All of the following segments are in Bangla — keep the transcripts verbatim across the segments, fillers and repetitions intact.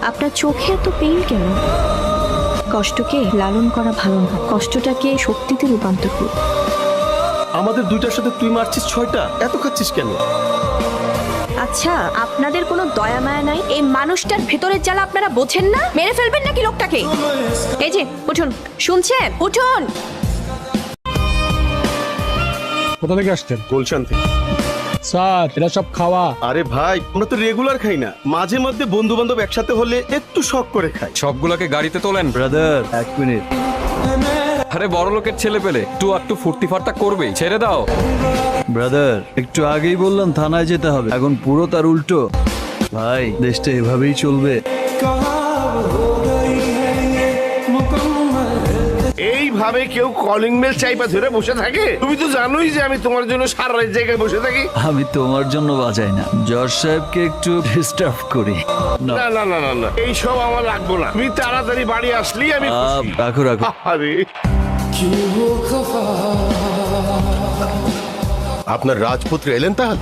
আপনার চোখে এত পেইন কেন? কষ্টকে লালন করা ভালো না, কষ্টটাকে শক্তিতে রূপান্তর করুন। আমাদের দুইটার সাথে তুই মারছিস ছয়টা, এত খাচ্ছিস কেন? আচ্ছা, আপনাদের কোনো দয়া মায়া নাই? এই মানুষটার ভেতরের জ্বালা আপনারা বোঝেন না? মেরে ফেলবেন নাকি লোকটাকে? এই যে উঠুন, শুনছেন? উঠুন। কোথা থেকে আসছেন? গুলশান থেকে। স্যার এরা সব খাওয়া। আরে ভাই, আমরা তো রেগুলার খাই না, মাঝে মধ্যে বন্ধু বান্ধব একসাথে হলে একটু শখ করে খাই। সবগুলোকে গাড়িতে তোলেন। ব্রাদার এক মিনিট। আরে বড় লোকের ছেলে পেলে একটু একটু ফুর্তি ফার্তা করবেই, ছেড়ে দাও। ব্রাদার একটু আগেই বললাম থানায় যেতে হবে, এখন পুরো তার উল্টো। ভাই দেশটা এভাবেই চলবে। এইভাবে কেউ কলিং বেল চাইপা ধরে বসে থাকে? তুমি তো জানোই যে আমি তোমার জন্য সারা রাত জায়গায় বসে থাকি। আমি তোমার জন্য বাজাই না, জজ সাহেবকে একটু ডিস্টার্ব করি। না, না না না না না, এইসব আমার লাগবো না। তুমি তাড়াতাড়ি বাড়ি আসলেই আমি আহ, খুশি। রাখো রাখো। আরে আপনার রাজপুত্র এলেন তাহলে?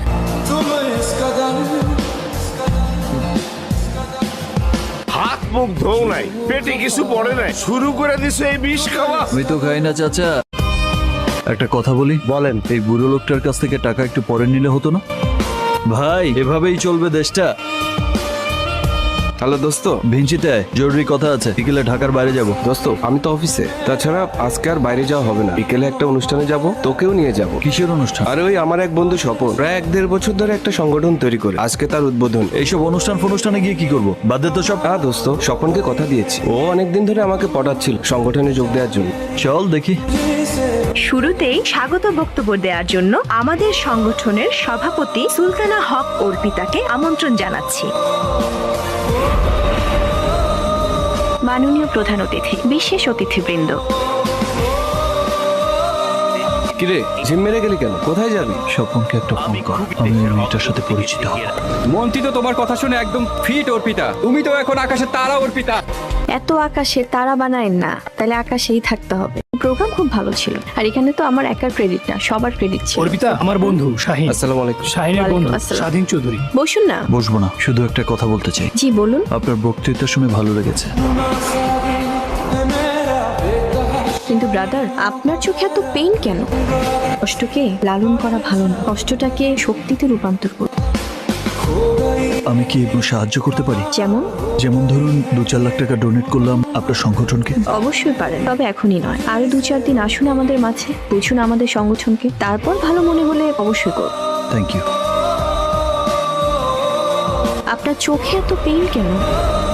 হাত মুখ ধোও নাই, পেটে কিছু পড়ে নাই, শুরু করে দিছো এই বিষ খাওয়া। আমি তো খাই না চাচা। একটা কথা বলি, বলেন। এই বুড়ো লোকটার কাছ থেকে টাকা একটু পরে নিলে হতো না? ভাই এভাবেই চলবে দেশটা। হ্যালো দোস্ত। ভিঞ্চিতে আয়, জরুরি কথা আছে। বিকেলে ঢাকার বাইরে যাব। দোস্ত আমি তো অফিসে, তাছাড়া আজকে আর বাইরে যাওয়া হবে না। বিকেলে একটা অনুষ্ঠানে যাব, তোকেও নিয়ে যাব। কিসের অনুষ্ঠান? আর ওই আমার এক বন্ধু স্বপন প্রায় এক দেড় বছর ধরে একটা সংগঠন তৈরি করে, আজকে তার উদ্বোধন। এইসব অনুষ্ঠান ফনুষ্ঠানে গিয়ে কি করব? বাদ দে তো সব। হ্যাঁ দোস্ত, স্বপনকে কথা দিয়েছি, ও অনেকদিন ধরে আমাকে পটাচ্ছিল সংগঠনে যোগ দেওয়ার জন্য। চল দেখি। শুরুতেই স্বাগত বক্তব্য দেওয়ার জন্য আমাদের সংগঠনের সভাপতি সুলতানা হক অর্পিতাকে আমন্ত্রণ জানাচ্ছি। মাননীয় প্রধান অতিথি, বিশেষ অতিথিবৃন্দ, কিরে জিম মেরে গেলি কেন? কোথায় যাবি? স্বপনকে একটা ফোন কর, আমি ওই মেয়েটার সাথে পরিচিত হব। মন্ত্রী তো তোমার কথা শুনে একদম ফিট অর্পিতা, তুমি তো এখন আকাশে তারা অর্পিতা। এত আকাশে তারা বানায়েন না, তাহলে আকাশেই থাকতে হবে। প্রোগ্রাম খুব ভালো ছিল, আর এখানে তো আমার একার ক্রেডিট না, সবার ক্রেডিট ছিল। অর্পিতা আমার বন্ধু শাহিন। আসসালামু আলাইকুম। শাহিনের বন্ধু ওয়ালাইকুম আসসালাম। স্বাধীন চৌধুরী। বসুন না। বসবো না, শুধু একটা কথা বলতে চাই। জি বলুন। আপনার বক্তৃতা শুনে ভালো লেগেছে। কিন্তু ব্রাদার, আপনার চোখে এত পেইন কেন? কষ্টকে লালন করা ভালো না, কষ্টটাকে শক্তিতে রূপান্তর করুন। আমি কি একটু সাহায্য করতে পারি? যেমন? যেমন ধরুন দু চার লাখ টাকা ডোনেট করলাম আপনার সংগঠনকে। অবশ্যই পারেন, তবে এখনই নয়। আরো দু চার দিন আসুন আমাদের মাঝে, বুঝুন আমাদের সংগঠনকে, তারপর ভালো মনে হলে অবশ্যই করুন। Thank you. আপনার চোখে এত পেইন কেন?